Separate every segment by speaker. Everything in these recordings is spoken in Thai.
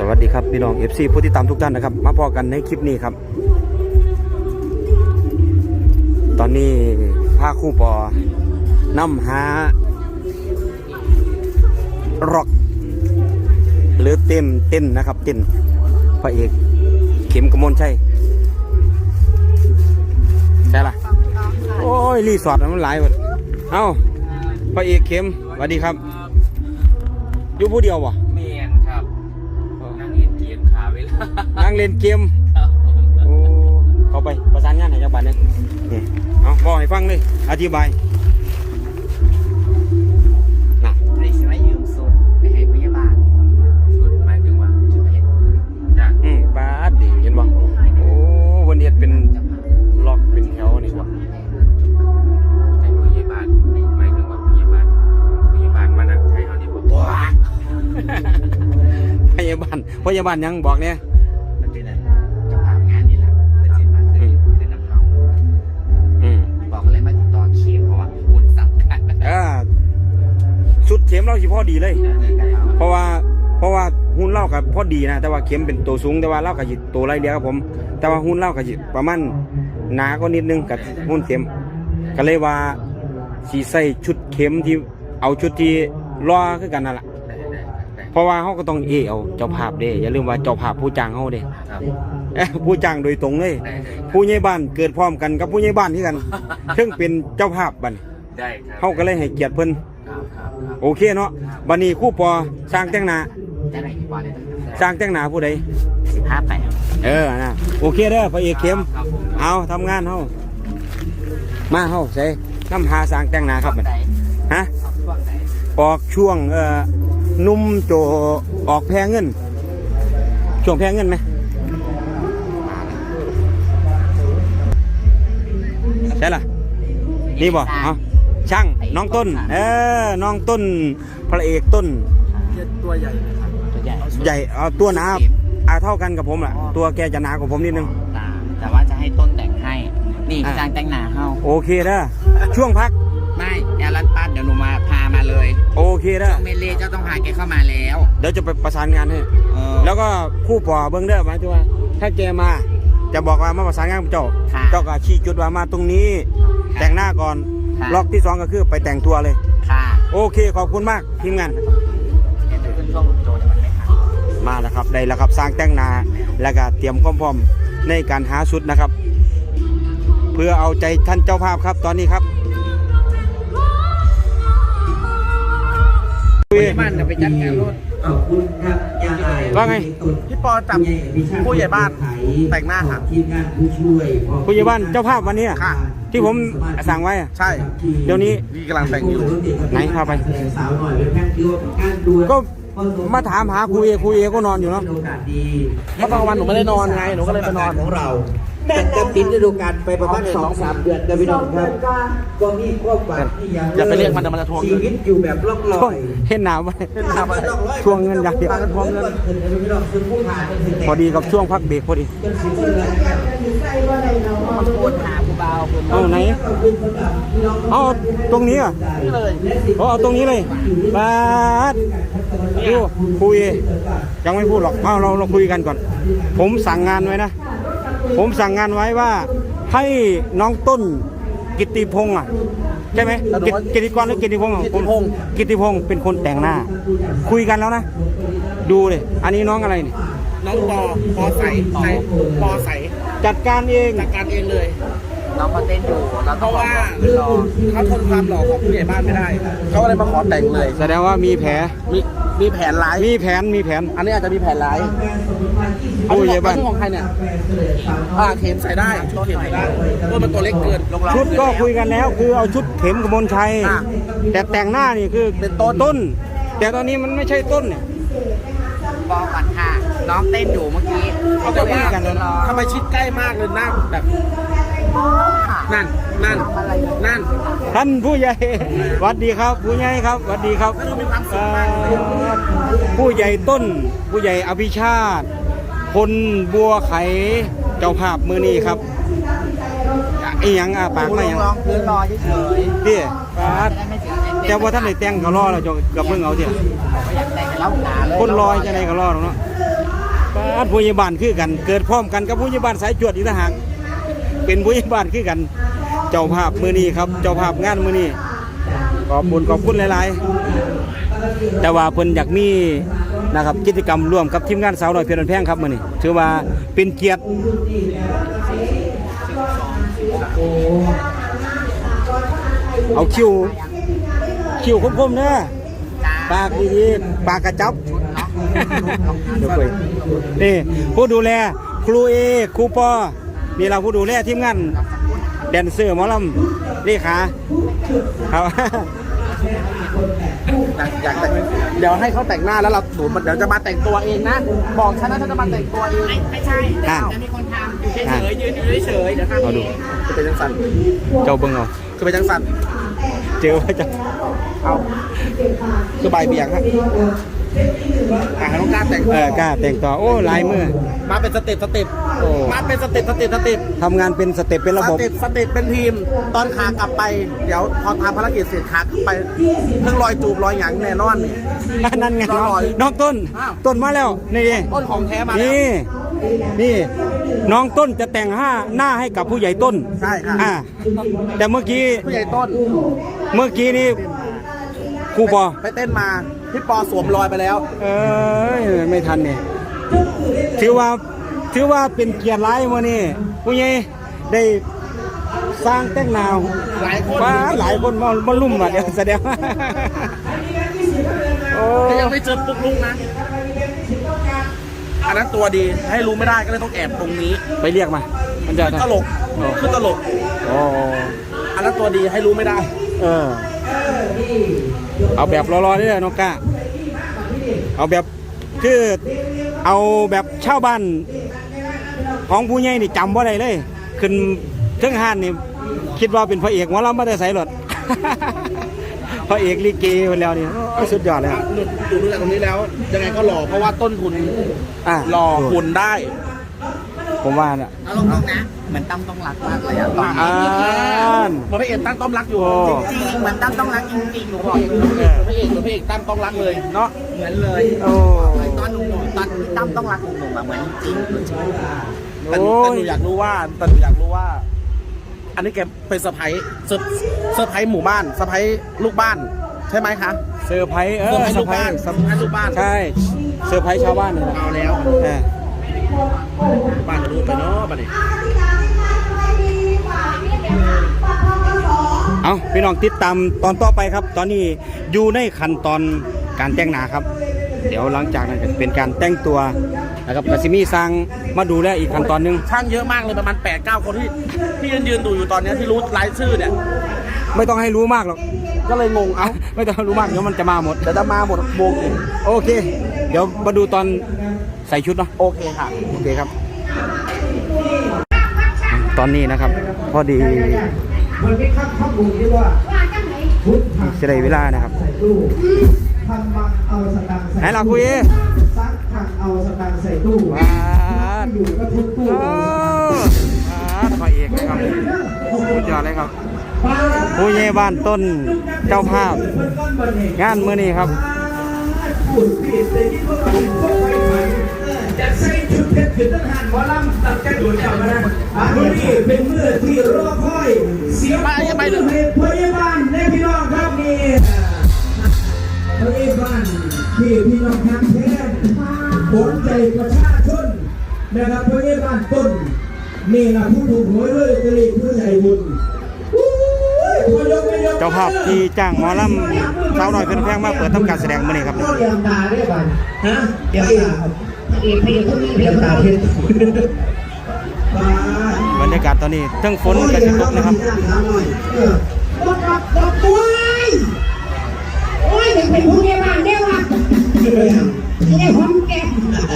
Speaker 1: วัสดีครับพี่น้อง FC ผู้ติดตามทุกท่านนะครับมาพอกันในคลิปนี้ครับตอนนี้พาคู่ปอนำหาร็อกหรือเต้นนะครับเต้นพระเอกเข็มกมลชัยใช่ล่ะโอ้ยรีสอร์ทมันหลายหมดเอ้าพระเอกเข็มสวัสดีครับอยู่ผู้เดียววะ
Speaker 2: เมียนครับนั่งเล่นเกมขาเวลา
Speaker 1: นั่งเล่นเกมโอ้เข้าไปประสานงานให้จังหวัดเนี่ยเอาบอกให้ฟังเลยอธิบาย
Speaker 2: นะในสมัยยืมสุดไปให้พยาบาลชุดหมายถึงว่าชุดเพชรจ้ะ
Speaker 1: บาดดิเห็นบ่โอ้วันนี้เป็นล็อกเป็นแถวนี่วะ
Speaker 2: ให้พยาบาลหมายถึงว่าพยาบาลมานั่งใช้เขาดีกว่า
Speaker 1: พยาบาลยังบอกเนี่ย
Speaker 2: มันเป็นอะไรจะผ่านงานนี่แหละเป็นเจ็ดวันเป็นน้ำเขาบอกอะไรมาติดต่อเข็มเพราะว่าคุณสำคัญ
Speaker 1: สุดเข็มเราสิพอดีเลยเพราะว่าหุ้นเล่ากับพอดีนะแต่ว่าเข็มเป็นตัวสูงแต่ว่าเล่ากับจิตตัวไรเดียวครับผมแต่ว่าหุ้นเล่ากับจิตประมาณหนาก็นิดนึงกับหุ้นเข็มก็เลยว่าสีใส่ชุดเข็มที่เอาชุดที่รอคือกันนั่นแหละเพราะว่าเขาก็ต้องเอาเจ้าภาพเด้อย่าลืมว่าเจ้าภาพผู้จ้างเขาเด้ผู้จ้างโดยตรงเลยผู้ใหญ่บ้านเกิดพร้อมกันกับผู้ใหญ่บ้านที่กันซึ่งเป็นเจ้าภาพบัดเขาก็เลยให้เกียรติเพิ่นโอเคเนาะบัดนี้คู่ปอสร้างแต่งหน้าสร้างแต่งหน้าผู้ใด15นะโอเคเด้อพระเอกเข้มเอาทำงานเฮามาเฮาใส่น้ำหาสร้างแต่งหน้าครับบัดฮะออกช่วงนุ่มโจออกแพงเงินช่วงแพงเงินไหมใช่ล่ะนี่บ่เอาช่างน้องต้นน้องต้นพระเอกต้น
Speaker 2: ตัวใหญ่
Speaker 1: ใหญ่เอาตัวหนาเท่ากันกับผมแหละตัวแกจะหนากว่าผมนิดนึง
Speaker 2: แต่ว่าจะให้ต้นแต่งให้นี่สร้างแต่งหน้าเฮา
Speaker 1: โอเคเด้อช่วงพัก
Speaker 2: ไม่แอรันปัดเดี๋ยวหนูมาพามาเลย
Speaker 1: โอเคเด้อ
Speaker 2: เมเล่เจ้าต้องพาแกเข้ามาแล้ว
Speaker 1: เดี๋ยวจะไปประสานงานให้แล้วก็คู่ปอเบิ้งเด้อหมายถึงว่าถ้าแกมาจะบอกว่ามาประสานงานกับเจ้าก็ชี้จุดว่ามาตรงนี้แต่งหน้าก่อนล็อกที่2ก็คือไปแต่งตัวเลยโอเคขอบคุณมากทีมงานมาแล้วครับได้แล้วครับสร้างแต่งหน้าแล้วก็เตรียมความพร้อมในการหาชุดนะครับเพื่อเอาใจท่านเจ้าภาพครับตอนนี้ครับ
Speaker 2: บ้านจะไปจัดงานรถ
Speaker 1: ว่าไง
Speaker 2: พี่ปอจับผู้ใหญ่บ้านแต่งหน้าค่ะ
Speaker 1: ผู้ใหญ่บ้านเจ้าภาพวันนี้ที่ผมสั่งไว้
Speaker 2: ใช่
Speaker 1: เดี๋ยวนี้
Speaker 2: กำลังแต่งอยู่
Speaker 1: ไหนพาไปก็มาถามหาครูเอก็นอนอยู่เนาะ
Speaker 2: เพราะบางวันหนูไม่ได้นอนไงหนูก็เลยไปนอนของเรา
Speaker 3: จะปิดฤดูกาลไปประมาณ 2-3 เดือนกันพี่น้องครับก็มีความหวังที่ยัง
Speaker 2: อย่าไปเรียกมันจะทวง
Speaker 3: ชีวิตอยู่แบบล่องลอย
Speaker 1: เห็นหนาวไหมทวงเงินอย่างเดียวพอดีกับช่วงพักเบรกพอดีเอาไหนเอาตรงนี้อ่ะเอาตรงนี้เลยบาสดูคุยยังไม่พูดหรอกเราคุยกันก่อนผมสั่งงานไว้นะผมสั่งงานไว้ว่าให้น้องต้นกิตติพงษ์ใช่ไหมกิตติกรหรือกิตติพงษ์กิตติพงษ์เป็นคนแต่งหน้าคุยกันแล้วนะดูเลยอันนี้น้องอะไรนี่
Speaker 2: น้องปอใส
Speaker 1: จัดการเอง
Speaker 2: เลยน้องเขาเต้นอยู่เพราะว่าเขาทนความหล่อของผู้ใหญ่บ้านไม่ได้เขาเลยมาขอแต่งเลย
Speaker 1: แสดงว่ามีแผล
Speaker 2: มีแผนร้าย
Speaker 1: มีแผน
Speaker 2: อันนี้อาจจะมีแผนร้าย
Speaker 1: ผู้ใหญ่บ้าน
Speaker 2: ของใครเนี่ยเข็มใส่ได้ชุดเข็มใส่ได้เพราะมันตัวเล็กเกิน
Speaker 1: ชุดก็คุยกันแล้วคือเอาชุดเข็มกมลชัยแต่แต่งหน้านี่คือ
Speaker 2: เป็นต้น
Speaker 1: แต่ตอนนี้มันไม่ใช่ต้นเนี่ย
Speaker 2: บอกก่อนค่ะน้องเต้นอยู่เมื่อกี้เขาจะว่ากันทำไมชิดใกล้มากเลยหน้าแบบนั่น
Speaker 1: ท่านผู้ใหญ่สวัสดีครับผู้ใหญ่ครับสวัสดีครับผู้ใหญ่ต้นผู้ใหญ่อภิชาติคนบัวไขเจ้าภาพมือนี้ครับไอ้ยังปากไม่ยัง
Speaker 2: ลองพื้นรอเฉย
Speaker 1: ๆดิแต่ว่าท่านได้แต่งก็รอเราจะกับเพิ่งเอาเถอะ
Speaker 2: อยากแต่งแล้วหนาเลย
Speaker 1: คนรอจะไหนก็รอหรอกเนาะผู้ใหญ่บ้านคือกัน เกิดพร้อมกันกับผู้ใหญ่บ้านสายจวดอีกต่างหากเป็นผู้ใหญ่บ้านคือกัน เจ้าภาพมื้อนี้ครับเจ้าภาพงานมื้อนี้ขอบคุณหลายๆแต่ว่าเพิ่นอยากมีนะครับกิจกรรมร่วมกับทีมงานสาวน้อยเพชรบ้านแพงครับมื้อนี้ถือว่าเป็นเกียรติเอาคิวคมๆเด้อปากดีๆปากกระจับเดี๋ยวคุยนี่ผู้ดูแลครูเอครูปอนี่เราผู้ดูแลทีมงานแดนเซอร์หมอลำเลขาครับ
Speaker 2: อยากแต่งเดี๋ยวให้เขาแต่งหน้าแล้วเราเดี๋ยวจะมาแต่งตัวเองนะบอกฉันนะฉันจะมาแต่งตัวเองไม่ใช่จะมีคนทำอยู่เฉยๆยืนอยู่เฉยๆเดี๋ยวทำ
Speaker 1: เอาดู
Speaker 2: คือเป็นจังสัน
Speaker 1: เจ้าเบิ่งเอา
Speaker 2: คือเป็นจังสัน
Speaker 1: เจอว่าจะ
Speaker 2: เอาคือใบเบี่ยงฮะน้องกล้าแต่ง
Speaker 1: กล้าแต่งต่อโอ้ลายมือ
Speaker 2: มาเป็นสเต็ป
Speaker 1: โอ้
Speaker 2: มาเป็นสเต็ป
Speaker 1: ทำงานเป็นสเต็ปเป็นระบบ
Speaker 2: สเต็ปเป็นทีมตอนขากลับไปเดี๋ยวพอทำภารกิจเสร็จขากลับไปเพิ่งรอยจูบรอยหยังแน่นอน
Speaker 1: นั่นไง
Speaker 2: รอย
Speaker 1: น้องต้น
Speaker 2: อ้าว
Speaker 1: ต้นมาแล้วนี่
Speaker 2: ต้นของแท้มาแล้ว
Speaker 1: นี่น้องต้นจะแต่งหน้าให้กับผู้ใหญ่ต้น
Speaker 2: ใช่ค่ะ
Speaker 1: แต่เมื่อกี้
Speaker 2: ผู้ใหญ่ต้น
Speaker 1: นี่ครูปอ
Speaker 2: ไปเต้นมาพี่ปอสวมรอยไปแล้ว
Speaker 1: ไม่ทันเนี่ยถือว่าเป็นเกียรติร้ายมื้อนี้ผู้ใหญ่ได้สร้างแต่งหนาว
Speaker 2: หลายคน
Speaker 1: หลายคนมาลุ่มมาเดี๋ยวแสดงว่าโอ้
Speaker 2: แต่ยังไม่เจอปุ๊กลุกนะอันนั้นตัวดีให้รู้ไม่ได้ก็เลยต้องแอบตรงนี้
Speaker 1: ไปเรียกมามันจะ
Speaker 2: ตลกคือตลก
Speaker 1: โอ้
Speaker 2: อันนั้นตัวดีให้รู้ไม่ได้
Speaker 1: เอาแบบรอๆนี่เลยน้องก้าเอาแบบคือเอาแบบชาวบ้านของผู้ใหญ่นี่จำว่าได้เลยขึ้นเครื่องห้านนี่คิดว่าเป็นพระเอกหมอลำไม่ได้ใส่หรอก พระเอกลิเกคนแล้วนี่สุดยอดเลย
Speaker 2: ดูจากตรงนี้แล้วยังไงก็หล่อเพราะว่าต้นทุนหล่อหุ่นได้
Speaker 1: ผมว่าน่ะ
Speaker 4: เอาลงๆนะเหมือนตั้มต้องรักมากเลยอะตอน
Speaker 1: อ่
Speaker 4: นี้
Speaker 1: าน
Speaker 2: พระเอกตั้งต้อมรักอยู่
Speaker 1: โอ้
Speaker 4: จริงๆเหมือนตั้มต้องรักจริงๆหนูบอก
Speaker 2: พระเอกตั้งต้อมรักเลยเนาะ
Speaker 4: เหมือนเลย
Speaker 1: โอ้
Speaker 4: ตอนหนุ่มๆตอนที่ตั้มต้องรักหนุ่มๆอะเหมือนจริง
Speaker 2: แต่หนูอยากรู้ว่า อันนี้แกเป็นเซอร์ไพรส์หมู่บ้านเซอร์ไพรส์ลูกบ้านใช่ไหมคะ
Speaker 1: เซอร์ไพรส์
Speaker 2: เซอร์ไพรส์ลูกบ้าน
Speaker 1: เซอร์ไพรส์
Speaker 2: ลูกบ้าน
Speaker 1: ใช่เซอร์ไพรส์ชาวบ้านนี่แหละ
Speaker 2: เอาแล้ว บ้านจะรู้ไปเนาะบ้านนี้
Speaker 1: เอาพี่น้องติดตามตอนต่อไปครับ ตอนนี้อยู่ในขั้นตอนการแต่งหน้าครับ เดี๋ยวหลังจากนั้นก็เป็นการแต่งตัวนะครับกสิมีสร้างมาดูแลอีกขั้นตอนหนึง
Speaker 2: ช่างเยอะมากเลยประมาณ 8-9 คนที่ยืนดูอยู่ตอนนี้ที่รู้รายชื่อเนี่ย
Speaker 1: ไม่ต้องให้รู้มากหรอก
Speaker 2: ก็เลยงงเอ้า
Speaker 1: ไม่ต้องให้รู้มากเดี๋ยวมันจะมาหมด
Speaker 2: เดี๋ยวจะมาหมดวงอีก
Speaker 1: โอเค เดี๋ยวมาดูตอนใส่ชุดเนาะ
Speaker 2: โอเคค่ะ
Speaker 1: โอเคครับ ตอนนี้นะครับ พอดี
Speaker 3: มันไม่ข้ามข้อมูลที่ว่าพุทธ
Speaker 1: จะได้เวลานะครับ
Speaker 3: ตู้ทำมังเอาสตางค์ใส่
Speaker 1: ไหนล่ะคุย
Speaker 3: ซักถังเอาสตางค์ใส่ตู้
Speaker 1: ว้าด
Speaker 3: อยู่ก็ทุกตู้
Speaker 1: โอ้พระเอกเลยครับสุดยอดเลยครับ ผู้ใหญ่บ้านต้นเจ้าภาพ งานมื้อนี้ครับ
Speaker 3: พูดผิดแต่ที่พวกเราพวกไปไหนจะใส่ชุดเพชรขึ้นทหารหมอลำตัดกระโดดกลับมานะมื้อนี้เป็นมื้อที่รอคอยเสียงปรบมือให้พยาบาลและพี่น้องครับนี่พยาบาลที่พี่น้องทางแท้ผลใจประชาชนนะครับพยาบาลต้นนี่นะผู้ถูกหวยด้วยจะรีบผู้ใจบุญ
Speaker 1: เจ้าภาพที่จ้างหมอลำสาวน้อยเพชรบ้านแพงมาเปิดทำการแสดงมื้อนี้ครับ
Speaker 3: เตรียมตาได้ป่ะฮะเตรียมตาครับเตรียมตาเพชร
Speaker 1: บรรยากาศตอนนี้เทั้งฝนกระชิตกนะครับ
Speaker 5: บอกตัวโอ้ยเป็นผู้ใหญ่บ้านเด้อว่ะไม่ได้หอมแก้ม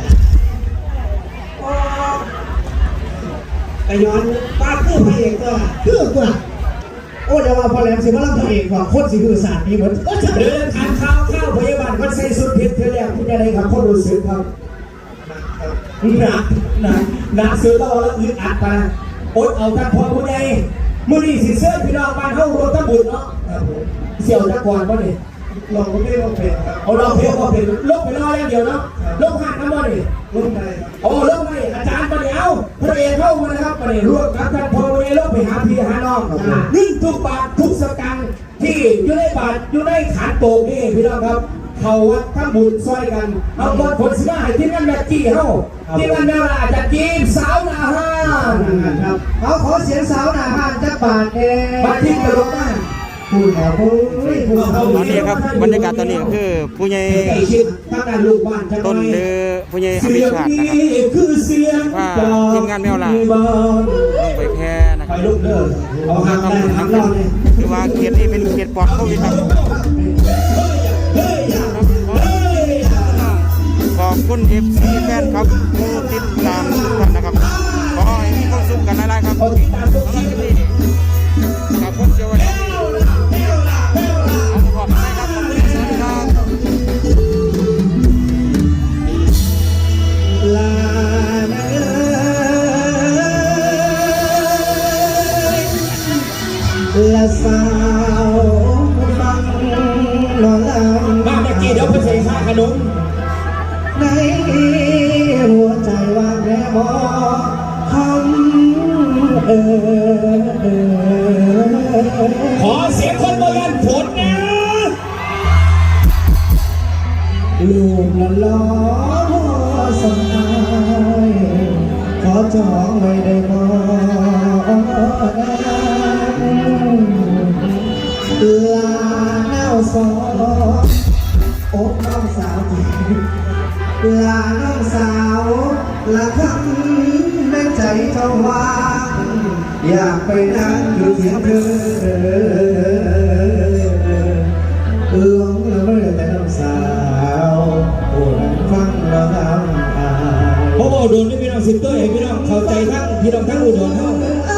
Speaker 3: ไอ้ย้อนป้าคือพระเอกก็คือกูล่ะโอ้เดี๋ยวว่าพอแหลมสิว่าเราพระเอกว่าคนสิคือศาสตร์นี้เหมือนเดินทางข้าวพยาบาลคนใส่สุดเพชรเธอแล้วคุณอะไรครับคนรู้สึกครับหนักซื้อต้องแล้วอึดอัดไปอดเอาท่านพอผู้ใดมือดีสิเสื้อพี่น้องบ้านเข้ารวมทั้งบุญเนาะเสี่ยวตะกอนวะนี่ลองก็ไม่ลองเพลงเอาลองเพลงก็เป็นลบไปรออย่างเดียวเนาะลบหักน้ำมันนี่ลบอะไรครับโอ้เริ่มไม่อาจารย์ประเดี๋ยวพระเอกเข้ามานะครับประเดี๋ยวร่วมกับท่านพลเรือลงไปหาพี่หาน้องนึ่งทุกบาททุกสตางค์ที่อยู่ในบาทอยู่ในขันโตกนี่พี่น้องครับเขาวัดทั้งบุญซอยกันเอาบอลผลสิมาให้ที่นั่นแบบจี้เข้าที่นั่นแม่ว่าจะจีบสาวนาห้านครับเขาขอเสียงสาวนาห้านจักบาทเองบาทที่กระโดดได้พูดแล้วพูด
Speaker 1: ตอนนี้ครับบรรยากาศตอนนี้ก็คือผู้ใหญ่ต้นหรือผู้ใหญ่อภิชาตินะครับว่าทีมงานแมวล่าลงไปแพ้นะครับคือว่าเขตนี้เป็นเขตปลอดโควิดครับขอบคุณเอฟซีแฟนครับผู้ติดตามทุกท่านนะครับขอให้มีความสุขกันหลายๆครับสำหรับคลิปนี้กับผมเจ้าวันนี้เอาขอบคุณครับขอบคุณสวัสดีครับ
Speaker 3: ลาละสาวฟังนอนหลับมาเมื่อกี้เดี๋ยวเพิ่งใส่ข้าขนมในหัวใจว่างแค่มองคำขอเสียงคนโบราณผลนะลูกละล้อสมายขอจองไว้ได้บ่ลาแนวสองโอ้น้องสาวลาน้องสาวละคำในใจเจ้าว่างอยากไปนั่งอยู่เทียงเธอหลงละเมื่อแต่น้องสาวโอ้นั่งฟังเราน้ำตาโอ้โดนนี่พี่น้องสิบตัวเองพี่น้องเข้าใจทั้งพี่น้องทั้งอุดรเท่า